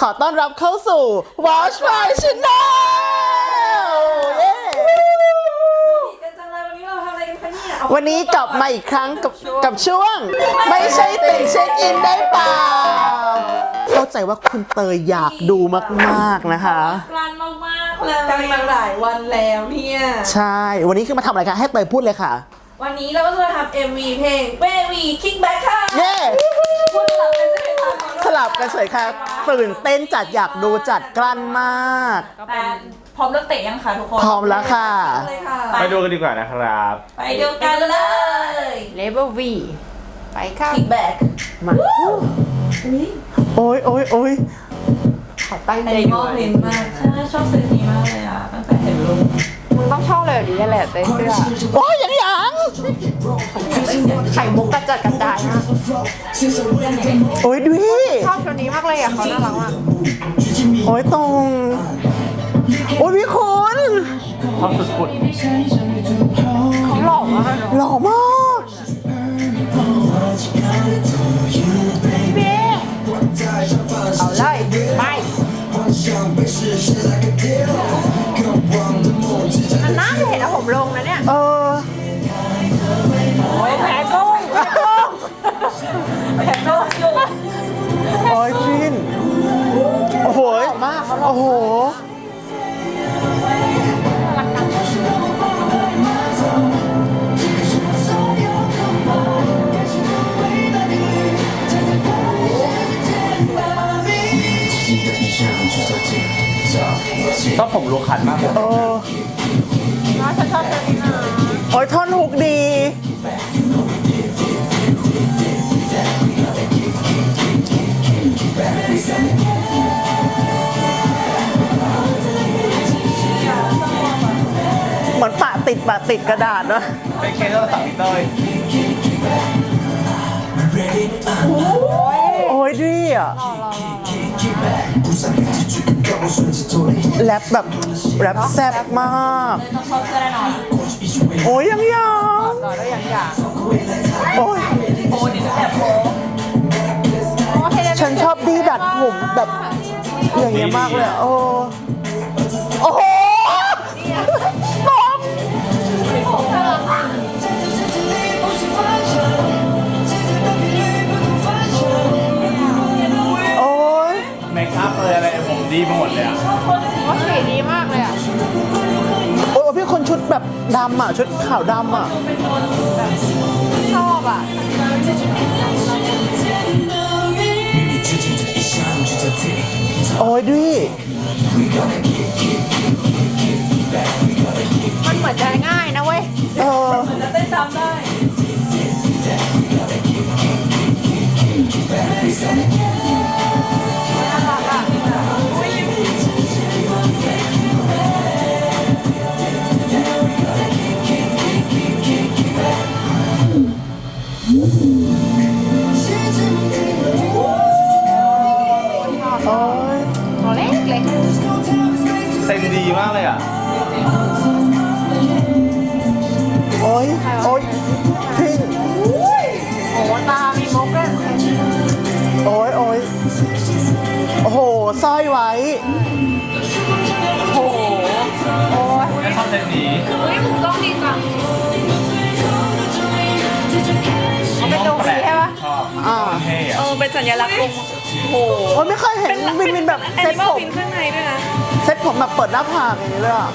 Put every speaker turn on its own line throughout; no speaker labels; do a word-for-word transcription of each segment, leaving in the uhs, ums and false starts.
อต้อนรับเข้าสู่ Watch My Channel เย้วันนี้กลับมาอีกครั้งกับกับช่วงไม่ใช่ติ่งเช็คอินได้เปล่าเข้าใจว่าคุณเตยอยากดูมากๆนะคะ
กลันมากๆเลยกันมาหลายวันแล้วเนี่ย
ใช่วันนี้คือมาทำอะไรคะให้เตยพูดเลยค่ะ
วันนี้เราก็จะทำ เอ็ม วี เพลง Baby Kickback ค่ะ
เย้
พูดสลับกันใช่ไหมคะ
สลับกันเฉยค่ะตื่นเต้นจัดอยากดูจัดกลั้นมาก
แต่พร้อมเลิกเตะยังคะทุกคน
พร้อมแล้วค่ะ
ไปดูกันดีกว่านะครับ
ไปดูกันเลย
Level V ไปค่ะ
Kickback
มาโอ้ยโอ้ยโอ้ย
ขอตั้งใจดู
เพลงมากใช่ชอบซีนนี้มากเลยอ่ะตั้งแต่เห็นรูป
มึงต้องชอบเลยดีแหละเต้เสื้อ
โอ้ยยังยัง
ไข่มุกกระจัดกระจายมาก
โอ้ยดู
ชอบตัวนี้มากเลยอ่ะเขาน่ารักมาก
โอ้ยตรงโอ้ยพี่คุณ
ชอบสุด
ๆเขาหล่อมาก
หล่อมาก
เบ๊เอาเลยไปมันน่าจะเห็นนะผมลงนะเนี่ย
เออ
โอ้ยแผลโก้งแผลโก้ง
แผลโก้งอยู่
โอ้ยจินโอ้โห
มาก
โอ้โห
ก็ผมรู้ขันมากเลย
โอ้
น้าฉันชอบตัวนี้นะ
โอ้ยท่อนฮุกดีเหมือนปะติดปะติดกระดาษเนาะ
เป็นเคสเราสั่งเตย
โอ้ยดีอ่ะแรปแบบแรปแซ่บมากโอ้ยยังยัง
ต่อได้ยังอยาก
โอ้ย
โอ้ดิฉันแบบโอ้
ฉันชอบดีดัดผมแบบอย่างเงี้ยมากเลยโอ้โอ้โหตบโอ้ย
เมคอัพเลยอะไรผมดีไปหมดเลยอ่ะ
ว่าสีดีมากเลยอ่ะ
โอ้ยพี่คนชุดแบบดำอ่ะชุดขาวดำอ่ะ
ชอบอ่ะ
โอ้ยดิ
มันเหมือนจะง่ายนะเว้ย
เออ
มันจะเต้นตามได้
น่ารักอ่ะ
โอ้ย
ตัวเล็กเล็ก
เต้นดีมากเลยอ่ะ
โอ้ยโอ้ยพิง
โอ้ตามีมุกด้วย
โอ้ยโอ้ยโอ้โหสร้อยไว้
โอ้โหโอ้ย
ไม่ชอบเต้นดี
เฮ้ยมึงต้องดีจังมันเป็นตรงสีใช่ปะ
ชอบอ่าเท่อะ
เออเป็นสัญลักษณ์องค์โอ้
โอ้ยไม่เคยเห็นวินวินแบบเซ็ตผม
ข้างในด้วยนะ
เซ็ตผมแบบเปิดหน้าผากอย่างนี้เลยอ่ะ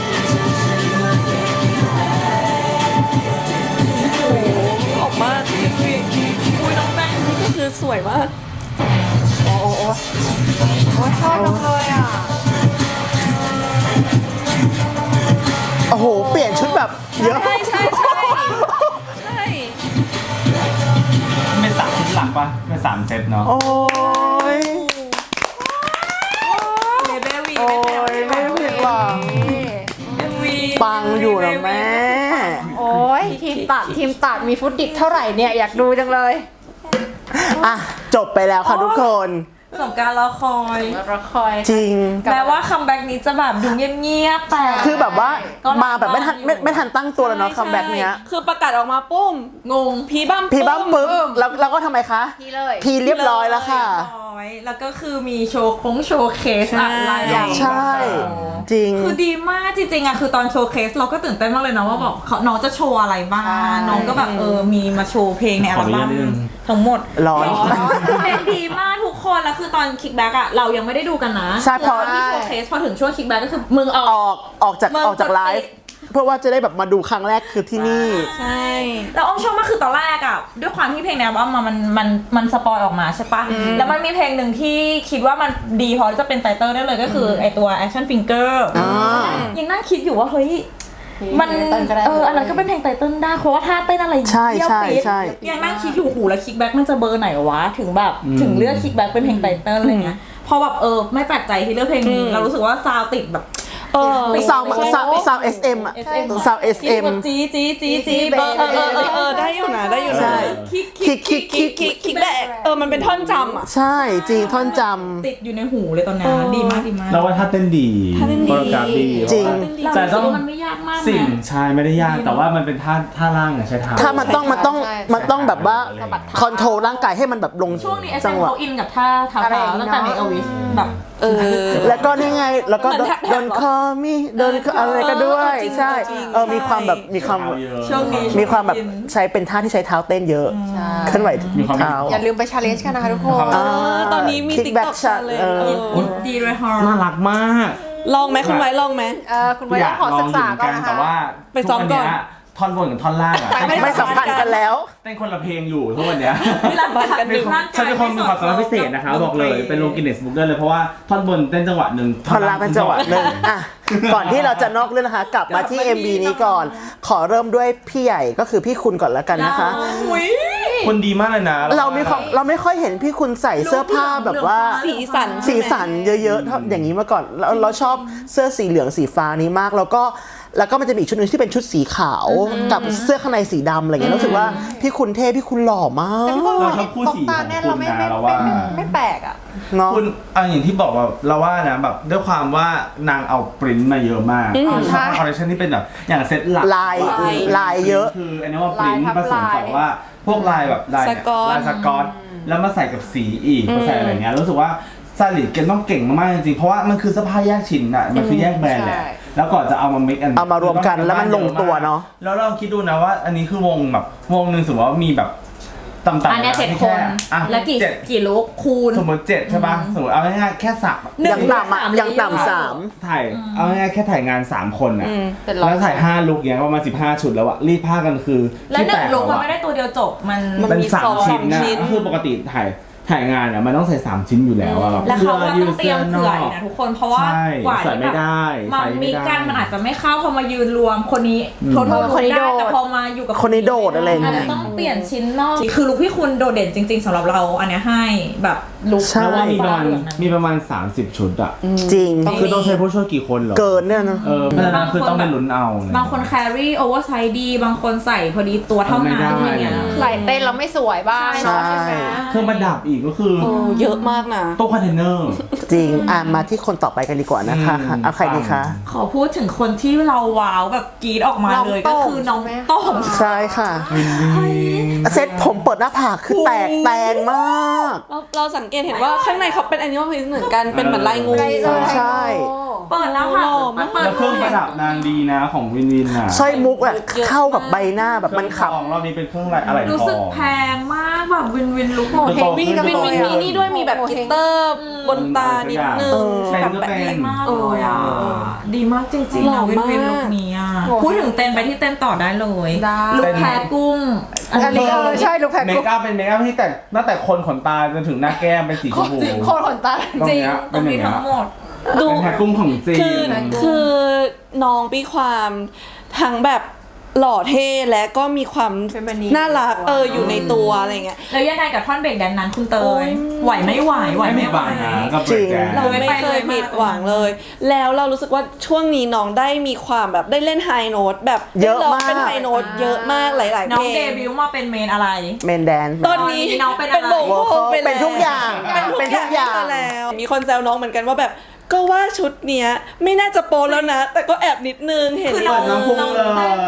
ออกมาคุยน้องแป้งนี่ก็คือสวยมาก
โอ้โหโอ้ยชอบจังเลยอ่ะ
โอ้โหเปลี่ยนชุดแบบเยอะ
ใช่ใช่ใช่ใช่
เป็นสามชุดหลักปะเป็นสามเซตเนาะ
โอ้ย
เบบี
โอ้ยไม่ผิดหวังปังอยู่นะแม่
โอ้ยทีมตัดทีมตัดมีฟุตดิกเท่าไหร่เนี่ยอยากดูจังเลย
อ่ะจบไปแล้วค่ะทุกคน
สมการรอคอย
รอคอย
จริง
แม้ว่าคัมแบ็กนี้จะแบบดูเงียบๆแต่
คือแบบว่ามาแบบไม่ทันไม่ไม่ทันตั้งตัวแล้วเนาะคัมแบ็กเนี้ย
คือประกาศออกมาปุ้ม
งง
พีบ้าม
พี่บ้ามปึ๊บแล้วแล้วก็ทำไมคะ
พี่เลย
พีเรียบร้อยแล้วค่ะ
ร้อยแล้วก็คือมีโชว์คงโชว์เคสอะไรอย่าง
ใช่ จริง
คือดีมากจริงๆอะคือตอนโชว์เคสเราก็ตื่นเต้นมากเลยนะว่าแบบเขาน้องจะโชว์อะไรบ้างน้องก็แบบเออมีมาโชว์เพลงในอัลบั้มทั้งหมด
ร้อน
เพลงดีมากทุกคนแล้วคือตอนคิกแบ็กอะเรายังไม่ได้ดูกันนะ
ใช่เพราะ
ที่โชว์เคสพอถึงช่วงคิกแบ็กก็คือมึงอ
อ
อก
อกออกจาก
มึง
ออกจากไลฟ์เพื่อว่าจะได้แบบมาดูครั้งแรกคือที่นี่
ใช่
แล้วอ้อมชอบมากคือตอนแรกอะด้วยความที่เพลงในอัลบั้มมันมันมันสปอยออกมาใช่ปะแล้วมันมีเพลงหนึ่งที่คิดว่ามันดีพอที่จะเป็นไตเติ้ลได้เลยก็คือไอตัว Action Finger
อ่า
ยังนั่งคิดอยู่ว่าเฮ้ยมันเอออันนั้นก็เป็นเพลงไตเติ้ลได้เพราะว่าท่าเต้นอะไร
ใช่
เยี่ยว
ใช่
ปี๊ด
ใช่
ยังนั่งคิดอยู่หูแล้วคิกแบ็กมันจะเบอร์ไหนวะถึงแบบถึงเลือกคิกแบ็กเป็นเพลงไตเติ้ลอะไรเงี้ยพอแบบเออไม่แปลกใจที่เลือกเพลงนี้เรารู้สึกว่าซาวติดแบบ
เออ
ซาวซาวซาวเอสเอ็มอะ
เอสเอ็ม
ซาวเอสเอ็ม
จีจีจีจี
เออเออเออเออเออได้อยู่นะได้อยู่
ใช่
นะ
คิก
คิกคิกคิก
คิกคิกแบกเออมันเป็นท่อนจำอ่ะ
ใช่จริงท่อนจ
ติดอยู่ในหูเลยตอนนี้ดีมากดีมาก
แล้วว่าถ้าเต้นดี
ถ้าเต้นดี
โคโรกราฟดี
จริง
เรา
แต่
รู้สึ
ต้
ก
อง
ว่ามันไม่ยากมาก
สิ่ง
นะ
ใช่ไม่ได้ยากแต่ว่ามันเป็นท่าท่าล่างอะใช้เท้า
ำถ้ามันต้องมันต้อง
ใช่
มันต้องแบบว่าคอนโทรลร่างกายให้มันแบบลง
ช่วงนี้เอส
จั
เอ็
ง
ม
หวะ
เขาอินกับท่าเท้า
อะไร
เท้า
อย่างงี้
ตั้งแต่ใน
เนอะ
เอวิสแบบ
เออ
แล้วก็นี่ไงแล้วก็
เหมือนแท็บๆ
โดนคอมีโดนอะไรก็ด้วย
จริง
ใช่
จริง
เออมีความแบบมีความ
ช่วงนี้
มีความแบบใช้เป็นท่าที่ใช้เท้าเต้นเยอะเคลื่อนไหว
มีความ
เท้า
อย่าลืมไปชาเลนจ์กันนะคะทุกคน
อ่า
ตอนนี้มี
Kick
ติ๊ก
back
ต็อก
shot
เลย
เออ
ดีเลยฮะ
น่ารักมาก
ลองไหมคุณไว้ลองไหม
เออคุณไว้ต้องขอศึกษาก่อนนะคะ
แต่ว่า
ไปซ้อมก่อน
ทุวัเยท่อนบนกับท่อนล่างอะ
ไม่สัมพันธ์กันแล้ว
เต้นคนละเพลงอยู่ทุกวันเนี้ย
ร่างกาย
ฉันเป็นคนมีความสามารถพิเศษนะคะบอกเลยเป็นลงกินเนสบุ๊กได้เลยเพราะว่าท่อนบนเต้นจังหวะหนึ่ง
ท่อนล่างเป็นจังหวะหนึ่งอ่ะก่อนที่เราจะนอกเรื่องนะคะ กลับมาที่ เอ็ม วี นี้ก่อน ขอเริ่มด้วยพี่ใหญ่ก็คือพี่คุณก่อนแล้วกันนะคะ
อุ้ย
คนดีมากเลยนะ
เราไม่ค่อยเราไม่ค่อยเห็นพี่คุณใส่เสื้อผ้าแบบว่า
สีสัน
สีสันเยอะๆเท่าอย่างนี้มาก่อนแล้วเราชอบเสื้อสีเหลืองสีฟ้านี้มากแล้วก็แล้วก็มันจะมีอีกชุดหนึงที่เป็นชุดสีขาวกับเสื้อข้างในสีดำอะไรเงี้ยรู้สึกว่าพี่คุณเท่พี่คุณหล่อมาก
เราชอบคู่สี
ตา
ของ
แน่น
คุ
เรา
ณ
ไม่
นะ
ไม่
เรา
ไม่
ว่า
ไม่ไม่แปลกอ่ะ
เนาะ
คุณเอาอย่างที่บอกว่าเราว่านะแบบด้วยความว่านางเอาปริ้นท์มาเยอะมากคือ
ใช่
คอลเลคชันที่เป็นแบบอย่างเซ็ตหลัก
ลายลายเยอะ
คืออันนี้ว่าปริ้นท์
ลายทับ
ผสมกับว่าพวกลายแบบลาย
สก๊อต
ลายสกอตแล้วมาใส่กับสีอีกมาใส่อะไรเงี้ยรู้สึกว่าซาลิดเกนต้องเก่งมากๆจริงๆเพราะว่ามันคือเสื้อผ้าแยกชิ้นอ่ะมันคือแยกแบรนด์แหละ
ใช่
แล้วก่อนจะเอามา mix and
เอามารวมกันแล้วมันลงตัวเนอะ
แล้วเราคิดดูนะว่าอันนี้คือวงแบบวงหนึ่งสมมติว่ามีแบบต่ำๆ
อันเนี้ย
ะ
เจ็ด
ที่
คน
อ่ะ
แล้วกี่
เจ็ด
กี่ลุกคูณ
สมมติเจ็ดใช่ป่ะสมมติเอาง่ายๆแค่สัก
หนึ่
ยังต่ำอ่ะ
สาม
ยังต่ำสาม
ถ่ายเอาง่ายๆแค่ถ่ายงานสามคนอ่ะ
เป็นร้อย
แล้วถ่ายห้าลุกเนี้ยประมาณสิบห้าชุดแล้วอะรีดผ้ากันคือ
แล้ว
ที่
หนึ่งลุกมัน
อะ
ไม่ได้ตัวเดียวจบมัน
มัน
เป็น
มี
สาม
สอง
ชิ้นนะ
ชิ้น
ก็คือปกติถ่ายถ่ายงานอะมันต้องใส่สามชิ้นอยู่แล้วอะแบบ
แล้ว
เสื้
เขา
อ
ก็
ยื
ต้อ
ด
งเตรี
เสื้
ย
อ
ม
น
เผื่
อ
ออี
ก
กนะทุกคนเพราะว่า
ใช่
กว่า
ใส่ไม่ได้
มัน
ใส่ไม่
มี
ได้
กันมันอาจจะไม่เข้าพอมายืนรวมคนนี้โทษโทษ
คนนี้
ได้
โดด
แต่พอมาอยู่กับ
คนนี้โดดอะไรอย่างเงี้ย
อาจจะต้องเปลี่ยนชิ้นนอกคือลุคพี่คุณโดดเด่นจริง ๆสำหรับเราอันเนี้ยให้แบบลุค
ใช่
แล้วว่ามีประ
ฟ้า
มาณ
เหลืองนั้น
มีประมาณสามสิบชุดอะ
จริง
คือต้องใช้ผู้ช่วยกี่คนเหรอ
เกินเนี่ยนะ
เออเพราะฉะนั้นคือต้องเป็นลุ้นเอาเลย
บางคนแครี่โอเวอร์ไซส์ดีบางคนใส่พอดีตัวเท่านั้น
ไม่ได้
อะไรเงี้ย
ใส่เต้นแล้วไม่สวยบ้าง
ใช่
เนาะใช่ไหม
เครื่องประดับอีกก็คือ
โอ้เยอะมากนะ
ตู้คอนเทนเนอร์
จริงอ่ะมาที่คนต่อไปกันดีกว่านะคะ
อืม
เอาใครดีคะ
ขอพูดถึงคนที่เราว้าวแบบกรีดออกมา
น้อง
เลย
โต้
ก็
ง
คือน้อง
ใช่ไหม
โต้ง
ใช่ค่ะ เซ็ตผมเปิดหน้าผากคือแตกแตนมาก
เราเราสังเกตเห็นว่าข้างในเขาเป็นแอนิมอลพิซเหมือนกันเป็นเหมือนลายงู
ไรเออ
ใช่
เปิดแล้วค่ะมันเปิด
แล้วเครื่องประดับนางดีนะของวินวินอะ
สร้อยมุกอะเข้ากับใบหน้าแบบมันขับ
เครื่องทองรอบนี้เป็นเครื่องอะไรอะไรทอง
รู้สึกแพงมากแบบวินวินลุกหมด
โอ้โห
วินกับวินวินมีนี่ด้วยมีแบบกิตเตอร์บนตานิดนึง
เป็น
แบบ
ก็
แบบ
เป็น
มากเลยอ่ะดีมากจริงๆ
หล่อ
นะวิน
มาก
วินลุกนี้อ่ะพูดถึงเต้นไปที่เต้นต่อได้เลย
ได้
ลุกแพ้กุ้ง
อันนี้เออใช่ลูกแพร
เมคอัพเป็นเมคอัพที่แต่ตั้งแต่คนขนตาจนถึงหน้าแก้มเป็นสีชมพู
โคตรขนตา
ตรง
จริง
เนี้ย
ต
เป็
ร
น
ง
อย่าง
นี้
เงี้
ทั้
ย
งหมด
ดู
เป็นแพ็คกุ้งของจี
คือน คือน้องปีความทั้งแบบหล่อเท่และก็มีความ
Feminine
น่ารักเอออยู่ในตัวอะไรเงี้ย
แล้วยังไงกับท่อนเบรกแดนนั้นคุณเต
โอ้
ย
ย
ไหวไม่ไหวไหว
ไม่
ไม่
มี
ไหว
บางนะกับเบรกแดน
เราไม่เคยผิดหวังเลย แล้วเรารู้สึกว่าช่วงนี้น้องได้มีความแบบได้เล่นไฮโน้ตแบบ
เยอะ
ได้ร้ง
มาก
เป็นไฮโน้ตเยอะมากหลายๆ
น้
เพ
อง
ล
เด
ง
บิวต์มาเป็นเมนอะไร
เมนแดน
ตอนนี้
น้องเป็นอะไร
เป็นโบ
โว
ว์
คอล
ไป
เป็นทุกอย่าง
เป็นทุก
เป็นทุกอย่าง
ไปแล้ว มีคนแซวน้องเหมือนกันว่าแบบก็ว่าชุดเนี้ยไม่น่าจะโปแล้วนะ แต่ก็แอบนิดนึงเห็น
คือ
เปิดน้ำพุงเลย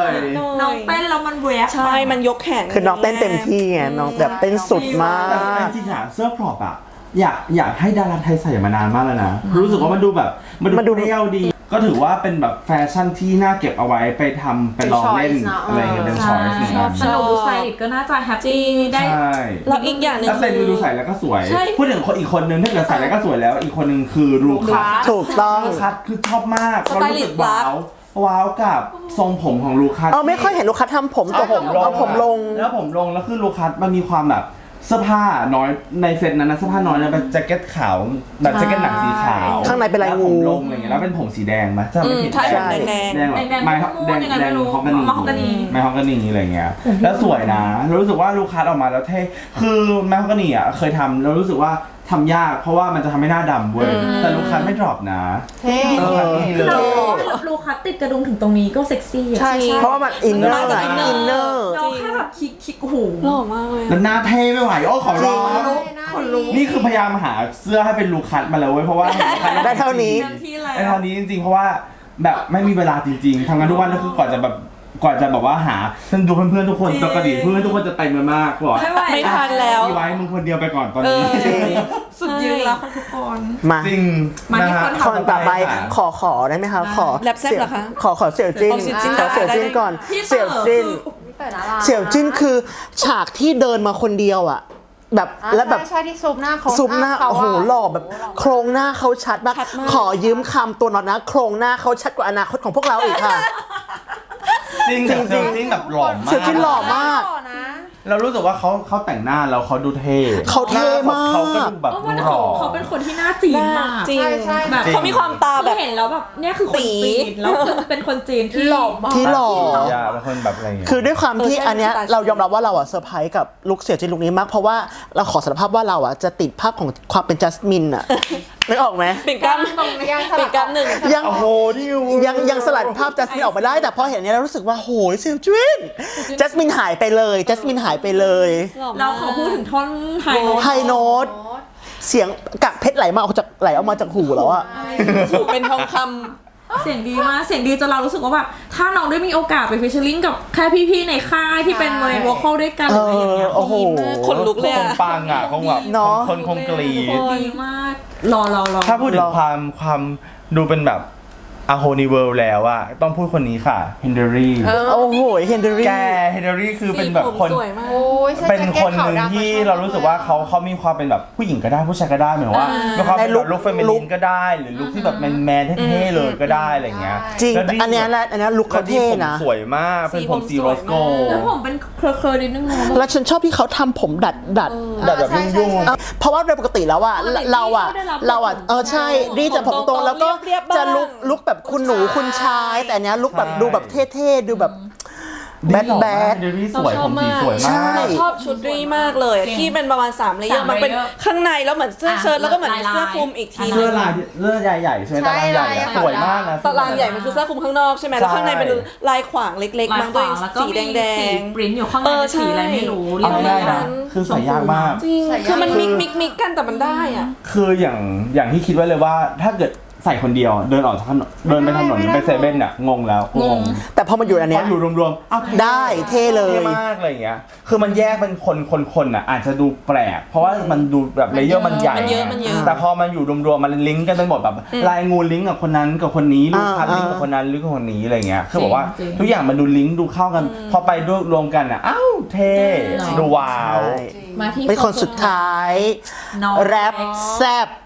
น้องเต้นแล้วมันแหวก
ใช่มันยกแขน
คือน้องเต้นเต็มที่ไงน้องแบบเต้นสุดมา
แต่
ก
จริงๆอะเสื้อพรอปอะอยากอยากให้ดาราไทยใส่มานานมากแล้วนะรู้สึกว่ามันดูแบบมัน
มันดู
ดูเรียวดี ก็ถือว่าเป็นแบบแฟชั่นที่น่าเก็บเอาไว้ไปทำไปลองเล่น
เป็น choice นะ
อะไรเงี้ยเป็น
ใช่
ช้อยส์เหมือนกัน
สนุกดูสไตลิสต์ก็น่าจะแฮปปี้ได้
ใช่
แล้วอีกอย่างหนึ่ง
แล้วเซนดูใส่แล้วก็สวย
ใช่
พูดถึงคนอีกคนนึงถ้าเกิดใส่แล้วก็สวยแล้ว อีกคนนึงคือลูคัส
ถูกต้อง
ลูคัสคือชอบมาก
ส
เรา
ไต
รู้
ลิ
สึ
ส
ก
ต์รั
ว้าก วว้าวกับทรงผมของลูคัส
เออไม่ค่อยเห็นลูกค้าทำผม
เอาผมลง
เอาผมลง
แล้วผมลงแล้วคือลูคัสมันมีความแบบเสื้อผ้าน้อยในเซตนั้นนะเสื้อผ้าน้อยนะเป็นแจ็คเก็ตขาวแบบแจ็คเก็ตหนังสีขาว
ข้างในเป็นลาย
แล้ว
งู
ผมลงอะไรเงี้ยแล้วเป็นผมสีแดงไหมถ้าไม่ผิด
ใช่
ใช่
แดง
แดงแบบ
แดงๆ
ไม้
ม่วงๆ
แดง
ยังไง
แดง
ไม่รู้
ฮอกกานี
มาฮอกกานี
ไม้ฮอกกานีอะไรเงี้ยแล้วสวยนะเรารู้สึกว่าลูคัสออกมาแล้วเท่คือไม้ฮอกกานีอ่ะเคยทำเรารู้สึกว่าทำยากเพราะว่ามันจะทำให้หน้าดำเว้ยแต่ลูคัสไม่ดรอปนะ
เท่
ลูคัสนี่เล
เรา
ย
ลูคัสติดกระดุมถึงตรงนี้ก็เซ็กซี่อะ
ใช่ใช่
เพราะว่ามันอินเนอร์
มันมาจาก
อินเนอ
inner
ร์
เราแค่แบบคลิกคลิกโอ้โห
หล่อมากเลย
แล้วหน้าเท่ไม่ไหวโอ้ขอร้อง
คนรู้
นี่คือพยายามหาเสื้อให้เป็นลูคัสมาแล้วเว้ยเพราะว่า
ได้เท่านี้
เต็มที่แล้ว
ไอ้เท่านี้จริงๆเพราะว่าแบบไม่มีเวลาจริงๆทำงานทุกวันแล้วคือกว่าจะแบบกว่าจะแบบว่าหาฉันดูเพื่อนๆทุกคนปกติเพื่อนทุกคนจะเต็มกันมากบอก
ไม่ไหว
ไม่ทันแล้ว
มีไว้มึงคนเดียวไปก่อนตอน
เอ
นี้
อ
สุดยืนแล้วค่ะทุกคน
มา
จริง
มาที่
ะฮะ
คน
คนต่อไป
ค่ะ
ขอขอได้ไหมคะ ขอ
แรปแซ่บเหรอคะ
ขอขอเสี่ยวจิ้น
เอาเสี่ยวจิ้น
ขอเสี่ยวจิ้นก่อน
พี่เต๋อ
เสี่ยวจิ้น
แต่น่ารัก
เสี่ยวจิ้นคือฉากที่เดินมาคนเดียวอ่ะ แบบ
อ่ะ
แล้วแบบ
ใช่ใช่ที่ซูมหน้าเขา
ซุปหน้า
เข
โอ้โห
ะ
หล่อแบบโครงหน้าเขาชัดมาก
ชัดมาก
ขอยืมคำตัวน็อตนะ โครงหน้าเขาชัดกว่าอนาคตของพวกเราอีกค่ะ
จริงแต่เซลจริงแบบหล่อมาก
เสี่ยวจิ้นหล่อมาก
หล่อนะ
เรารู้สึกว่าเขาเขาแต่งหน้าแล้วเขาดูเท่
เขาเท่มาก
เขาก็ดูแบบ
เพราะว่า
ห
เขา
ล่อ
เขาเป็นคนที่หน้าจีนมาก
จริง
ใช่ใช่
แบบ
เขามีความตา
คือ
แบบ
เห็นแล้วแบบเนี่ยคือคนจีนแล้วคือเป็นคนจีนที่
หล่อมาก
ที่หล่อ
อย่าเป็นคนแบบอะไรอย่างเงี้ย
คือด้วยความที่
เออใช่
อันเนี้ย
สไตล์
เรายอมรับว่าเราอะเซอร์ไพรส์กับลุคเสี่ยวจิ้นลุคนี้มาก เพราะว่าเราขอสารภาพว่าเราอะจะติดภาพของความเป็นจัสมินอะ นึกออกไหม
เป็นกล้าม
ตรงนี้ยังส
เป็
ลั
น
บ
กล้ามหนึ่ง
ยัง
โอ้โหนี่
ยังยังสลัดภาพจัสมินออกมาได้ แต่พอเห็นอันเนี้ยเรารู้สึกว่าโหยเสี่ยวจิ้นจัสมินหายไปเลยจัสมินหายไปเลย
หล่อมาก
เราขอพูดถึงท่อนไฮโน้ต
ไฮโน้ตเสียงกากเพชรไหลมาออกจากไหลออกมาจากหูแล้วอะ
ถูกเป็นทองค
เสียงดีมากเสียงดีจนเรารู้สึกว่าแบบถ้าน้องได้มีโอกาสไปฟิชเชอร์ลิงกับแค่พี่ๆในค่ายที่เป็นเมย์วอลคอลด้วยกันหรืออะไรอย่างเงี้ย
โอ้โห
ำขนลุกเลย
ค
อะ
งปังอ่ะคงแบบ
เนอะ
คนคงกรีด
ดีมาก รอรอรอ
ถ้าพูดถึงความความดูเป็นแบบอาโฮนิเวิลด์แล้วอะต้องพูดคนนี้ค่ะเฮนเดอรี่
เออ
โอ้โหเฮนเดอ
แก
รี่
เฮนเดอรี่คือเป็นแบบคน
สีผมสวยมาก
โอ้ยใส่
เป็น
แจ็ค
คน
ขาว
หนึ่ง
ดำ
ที่
มชอบ
เรารู้สึกว่าเขาเขามีความเป็นแบบผู้หญิงก็ได้ผู้ชายก็ได้เหมือนว่า
อ่ามี
มีความเป็น
ใน
แบ
ลุค
บลุคเฟมิ
ลุ
นิ
ค
นก็ได้หรือลุคที่แบบแมนแมนๆเท่ๆเลยก็ได้อะไรเงี้ย
จริง
แล้วดี
อันเนี้ยแหละอันเนี้ยลุค
แล้
เขา
วดี
เท่
ผม
นะ
สวยมากเป็นผม
สี
สี
ผม
โร
สวย
สโก
มาก
แล้วผมเป็นเคลอร์ๆนิดนึงนะ
แล้วฉันชอบที่เขาทำผมดัดดัด
แต่แบบยุ่งยุ่งๆ
เอ่อเพราะว่าโดยปกติแล้วอะ
ปกติ
เราอะ
พี่ก็ได้รับ
เราอะเออใช่รีดจะผมตรงแล้วก็
เรียบๆบ้าง
จะลุกลุกแบบคุณหนูคุณชาย แต่อันเนี้ยลุกแบบดูแบบเท่ๆดูแบบแบดแบด
เดลี่สวยผมสีสวย
ใช่
มาก
เราชอบชุดรีมากเลย
จริง
ที่เป็นประมาณ3เลเยอ
สาม
ร์มันเป็น
layer
ข้างในแล้วเหมือนเสื้อเชิ้ต
อ่ะ
แล้วก็เหมือนมี
ลายๆ
เสื้อคลุมอีกทีนึ
เสื้อง ลายเสื้อใหญ่ๆใช่ไหม
ใช่
ตารางใหญ่อะ
ลาย
สวยมากนะ
ตารางใหญ่มันคือเสื้อคลุมข้างนอกใช่ไหมแล้วข้างในเป็นลายขวางเล็กๆ
ลาย
บาง
ข
ตัว
วางแล้วก็
สี
มี
แด
สี
ง
ปริ้นอยู่ข้างใน
เออ
เป็นสีอะไร
ใช่
ไม่รู้
เอาไม่ได้
เรียก
นะ
ว่า
คือใส่ยากมาก
ๆจริง
ใส่ยาก
คือมันมิกมิกมิกกันแต่มันได้อ่ะ
คืออย่างอย่างที่คิดไว้เลยว่าถ้าเกิดใส่คนเดียวเดินออกจากถนนเดินไปถนน
ไม่ได้
ไปเซเว่นเนี่ยงงแล้วงง
แต่พอมาอยู่อัน
พ
เนี้
อย อยู่รวมๆอ้าวเท่
ได้เท่เลย
เท่มากอะไรอย่างเงี้ยคือมันแยกเป็นคนคนคนอ่ะอาจจะดูแปลก เพราะว่ามันดูแบบเลเยอร์มันใหญ่
มันเยอะมันเยอะ
แต่พอมันอยู่รวมๆมันลิงก์กันไปหมดแบบลายงูลิงก์กับคนนั้นกับคนนี้ลูกคัด
อ่า
ลิงก์กับคนนั้นลิงก์กับคนนี้อะไรเงี้ยคือบอกว่า
จริง
ทุกอย่างมันดูลิงก์ดูเข้ากัน พอไปด้วยรวมกันอ่ะอ้าวเท่ดูว้าว
มาที่
เป็นคนสุดท้าย
น้อง
แรปแซบ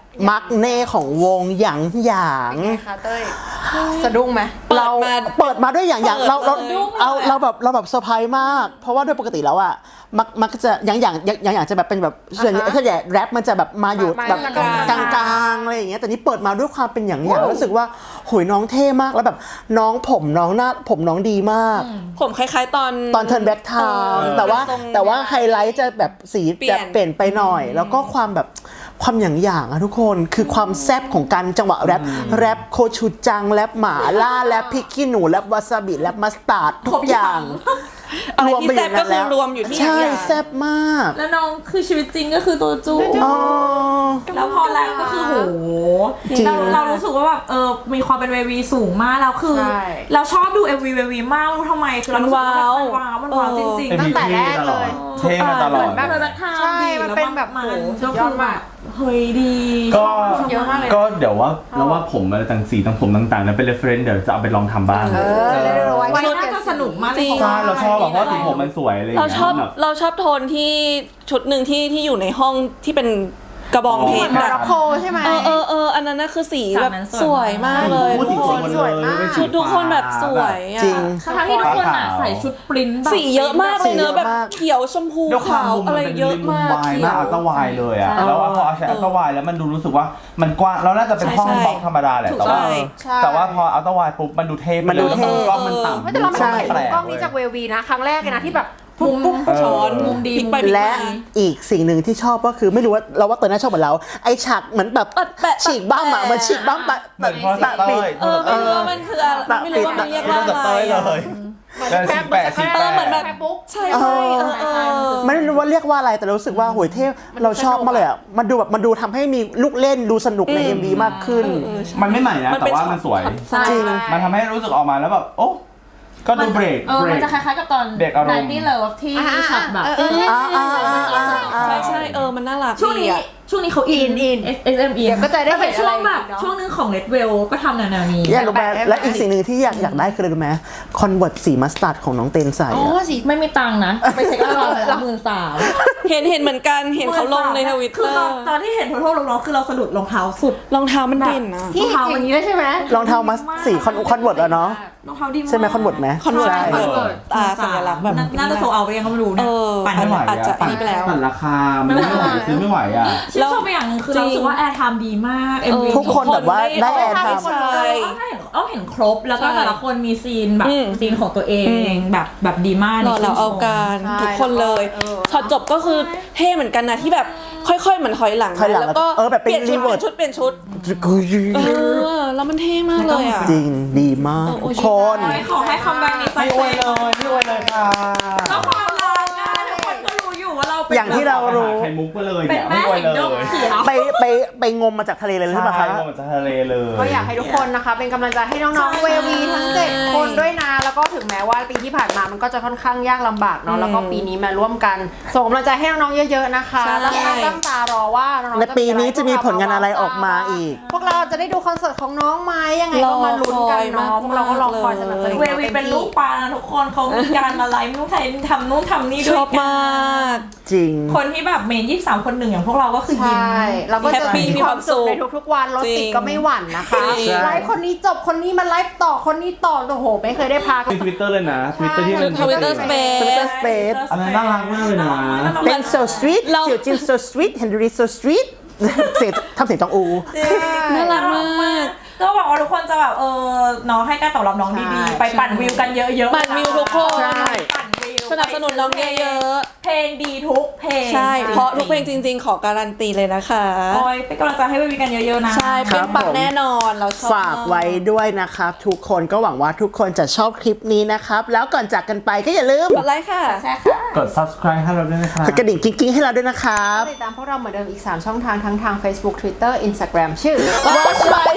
มักเน่ของวงหยางหยาง
ไงคะเต้ยสะดุ้งไหม
เราเปิดมาด้วยอย่างอย่างเราเรา
เปิดเลย
เอาเราแบบเราแบบเซอร์ไพรส์มาก เพราะว่าโดยปกติแล้วอะมักมักจะอย่างอย่างอย่างอย่างจะแบบเป็นแบบส่วนใหญ่ส่วนใหญ่แรปมันจะแบบมาอยู่
มา
แบบ
ก
ก
ลางๆ
ลางๆอะไรอย่างเงี้ยแต่นี่เปิดมาด้วยความเป็นอย่างอย่างรู้สึกว่าโหยน้องเท่มากแล้วแบบน้องผมน้องหน้าผมน้องดีมาก
ผมคล้ายๆตอน
ตอนเทิร์นแบ็กไทม์แต่ว่า
ทรง
แต่ว่าไฮไลท์จะแบบสี
เปลี่ย
จะ
น
เปลี่ยนไปหน่อย แล้วก็ความแบบความอย่างอย่างอะทุกคนคือความแซบของการจังหวะแรปแรปโคชูจังแรปหมาล่าแรปพริกขี้หนูแรปวาซาบิแรปมัสตาร์ดทุกอย่าง
อะไรที่
ไป
แซ่บก็คือรวมอยู่ที่
ใช่
อย่าง
แซบมาก
แล้วน้องคือชีวิตจริงก็คือตัวจู
อ๋อ
แล้วพอแรปก็คือโห
จริง
เราเรารู้สึกว่าแบบเออมีความเป็นเววีสูงมากแล้วคือ
ใช่
เราชอบดู เอ็ม วี เววีมากไม่รู้ทำไมคือเรารู้สึกว่ามันว้าวมันว้าวจริง
เอ็ม
ๆ
วี
ตั้งแต่แรกเลย
เท่มาตลอด
แบบแบบ
ใช่มันเป็นแบบ
มัน
โห
ก็
ย
คือ
อด
แบ
มาก
บเฮ้ยดี
ก็
เยอะมากเลย
ก็เดี๋ยวว่าแล้วว่าผมอะไรต่างสีต่างผมต่างๆนั้นเป็น reference เดี๋ยวจะเอาไปลองทำบ้าง
เออเร็วๆไว้
วันน่าจะสนุกมากเลย
ใช่เราชอบแบบเพราะสีผมมันสวยอะไรอย่าง
เรา
เงี้ย
ชอบ
แบบ
เราชอบโทนที่ชุดหนึ่งที่ที่อยู่ในห้องที่เป็นกระบองเพชร
มอ
อะ
ร็อกโกใช่ไหม
เออเออเอออันนั้นน่ะคือสีแบบสวยมากเลย
พูด
ทุ
สี
ก
ส
ค
วย
น
หมด
ส
เล
วย
ย
มาก
เป็น
ชุดทุกคนแบบสวยอะ
จริง
ทั้งที่ทุกคนอ่ะใส่ชุดปริ้นท์แบบ
สีเยอะมากเลยเนอะแบบเขียวชมพู
ด้วยความ
ขาว
มุม
อะ
มัน
ไร
เป็น
เยอะมาก
วาย
เขี
มาก
ยว
อัลตร้าวายเลยอะ
ใช่
แล้วพอเอาใช้อัลตร้าวายแล้วมันดูรู้สึกว่ามันกว้างเราน่าจะเป็นห้อง
ใช่
บล็อกธรรมดาแหละแต่ว่า
ใช่
แต่ว่าพออัลตร้าวายปุ๊บมันดูเท่ไป
มันดู
เลย
เท่
กล้องมันต่ำ
ไม่แต่เราไม่
ใช่
เคยเห็น
แปล
กล้องนี้จากเววีนะ ครั้งแรกเลยนะที่แบบปุ๊บปุ๊บ
ช้อน
มุมดี
พลิกไป
มุมดี
และอีกสิ่งหนึ่งที่ชอบก็คือไม่รู้ว่าเราว่าเตยน่าชอบเหมือนเราไอฉากเหมือนแบบ
แปะแปะ
ฉีกบ้างอะ
แปะ
เหมือนฉีกบ้างปะ
เหมือนพอส
ปะ
เต
ปิ
อ
ด
ร์
เออไม่รู้ว่ามันคืออะไรไม่รู้ว่ามันเรียกว่า
ส
อะไร
เตอร์เล
อะ
ยแต่สีแปะสี
เอ
แป
อเหมือนแบบ
ะ
ปุ๊บ
ใช่ใช่เออเออ
ไม่รู้ว่าเรียกว่าอะไรแต่รู้สึกว่าโหยเท่เราชอบมากเลยอ่ะมันดูแบบมันดูทำให้มีลูกเล่นดูสนุกใน เอ็ม วี มากขึ้น
มันไม่ใหม่นะ
มันเป็
แต่
น
ว่ามันสวย
ใช่
จริง
มันทำให้รู้สึกออกมาแล้วแบบโอ้ก็ดูเบรก
เออ
เบร
มัน
ก
จะคล้ายๆกับตอน
เบรกอารมณ์
ไนตี้เลิฟที่
อ่า
มีช็อตแบบ
เออเออ
อ่าอ่าอ่าอ่าอ่า
ใช่ใช่เออมันน่ารัก
ช่วง
ดี
นี้
อะ
ช่วงนี้เขาอิน
อิน
เอสเอ็มอิน
เดี๋ยวก็จะได้เห็น
เป็นช่วงแบบ
อะไรอีกเนอะ
ช่วงนึงของ Red Well ก็ทำแนวๆนี้
อยากรู้ไหมและอีกสิ่งหนึ่งที่อยากอยากได้คืออะไรรู้ไหมคอนเวิร์ตสีมัสตาร์ดของน้องเตนใส่
อ๋อ
อะ
สิ
ไม่มีตังค์นะ ไปเช็คราคาเลยหมื่นสาม
เห็นเห็นเหมือนกันเห็นเขาลงในทวิต
คื
เต
อ
อ
ตอน
ร์
ตอนที่เห็นโทโทลงน้องคือเราสะดุดรองเท้าสุด
รองเท้ามันเด่นนะ
ที่
รองเท้า
อย่างนี้ได้ใช่ไหม
รองเท้ามัสสีคอนคอนเวิร์ตแล้วเนาะ
รองเท้าดีมาก
ใช่ไหมคอนเวิร์ตไหม
คอนเวิร์ต
ใช่
คอนเวิร์ตตาสัญลักษณ์แบบ
น่าน่าจะโซเอาไปยังก็ไม่รู้
เอ
เนี่ย
อ
ปั่น
ไม่
ไม่
ไห
ไห
ว
ว
อาจจะ
อะ
อันนี้ไปแล้ว
ปั่นราคามันไม่ไหวซื้อไม่ไหวอ่ะ
ชื่นชมไปอย่างหนึงคือเรารู้สึกว่าแอร์ไทม์ดีมาก เอ็มวี
ทุกคนแบบว่าได้แอร์ไทม์
ใช่
ต้องเห็นต้องเห็นครบแล้วก็
ใช่
แต่ละคนมีซีนแบบ
อืม
ซีนของตัวเอง
อืม
แบบแบบดีมาก
รอเราเอาการ
ใช่
ทุกคนเลย
แล้วก็เออ
ช็อตจบก็คือเท่เหมือนกันนะที่แบบค่อยๆเหมือนถอยหลัง
ถอยหลัง
แล้วก็
เออแบบเป็น
เปลี่ยนชุด
reverse
เปลี่ยนชุดเปลี่ยนชุดเออแล้วมันเท่มากเลยอ่ะ
จริงดีมาก
โอ้
ทุ
ย
กคน
ขอให้คัมแบ็กนี้สั
ไม่
ก
อวยเลยไม่อวยเลยค่ะ
แล้วความรักอะทุกคนก็รู้อยู่ว่าเราเป็น
อย่างที่เรารู้
ไข่มุกไปเลย
เป็
เนี่
น
ย
แม่
ไม่อวย
แห่ง
เล
ดง
ย
เขียว
ไปไปไปงมมาจากทะเลเลยหรือเปล่า
ใช่
คะ
มันจะทะเลเลย
ก็อยากให้ทุกคนนะคะ เป็นกำลังใจให้น้องๆเววีทั้งเจ็ดคนด้วยนะ แล้วก็ถึงแม้ว่าปีที่ผ่านมามันก็จะค่อนข้างยากลำบากเนาะแล้วก็ปีนี้มาร่วมกันส่งกำลังใจให้น้องๆเยอะๆนะคะ
ใช่
แล้วก็ตั้งตารอว่าน้องๆ
ใน
จะ
ปีนี้
อไร
จะมีผลงานอะไรออกมาอีก
พวกเราจะได้ดูคอนเสิร์ตของน้องไหมยังไงก็มาลุ้นกันเนาะพวกเราก็รอคอยสนับสนุน
เววีเป็นลูกปลานะทุกคนเขามีการมาไลฟ์นู่นทำนู่นทำนี่
ช
ด้วย
อบ
กัน
มาก
จริง
คนที่แบบเมนยี่สิบสามคนหนึ่งอย่างพวกเราก็คือยิ้ม
ใช่เราก็จะ
แฮปปี้
มีความสุข
มี
ใน
ความสุข
ทุกๆวันรถติดก็ไม่หวั่นนะคะ
จริง
ไลฟ์คนนี้จบคนนี้มาไลฟ์ต่อคนนี้ต่อโอ้โหไม่เคยได้พัก
ในทวิตเตอร์เลยนะทวิตเตอร์ที่เป็น
ทวิตเตอร์สเปซ
Twitter Space
อันนั้นน่ารักมากเลยนะ
เป็น so sweet
เรา
เสี่ยวจิน so sweet Henry so sweet เสียงทำเสียงจองอู
น่ารักมาก
ก็หวังว่าทุกคนจะแบบเออน้องให้การตอบรับน้องดี
ใช่
ๆ ไปปั่นวิวกันเยอะๆ
ปั่นวิวทุกคน
ใช่
ปั่นวิว
สนับสนุนน้องเยอะ
เพลงดีทุกเพลง
ๆใช่ เพราะทุกเพลงจริงๆ ขอการันตีเลยนะคะ
โอ้ยเป็นกำลังใจให้เววีกันเยอะๆนะ
ใช่
ครั
เป็น
บ
ปัก
ผม
แน่นอนเราชอบ
ฝากไว้ด้วยนะครับทุกคนก็หวังว่าทุกคนจะชอบคลิปนี้นะครับ แล้วก่อนจากกันไปก็อย่าลืม
กดไลค์ค่ะ
ใช่ค่ะ
กด subscribe ให้เราด้วยนะครับ
กดกระดิ่งกิ๊งๆให้เราด้วยนะครับ
ติดตามพวกเราเหมือนเดิมอีก สาม ช่องทางทั้งทาง Facebook Twitter Instagram ชื่อ
Watch My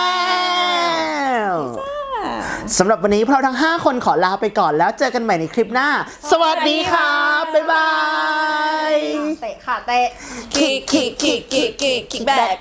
Channel สำหรับวันนี้พวกเราทั้ง ห้า คนขอลาไปก่อนแล้วเจอกันใหม่ในคลิปหน้า สวัสดีครับ บ๊ายบาย
เตะค่ะเตะ
kick kick kick kick kick kick back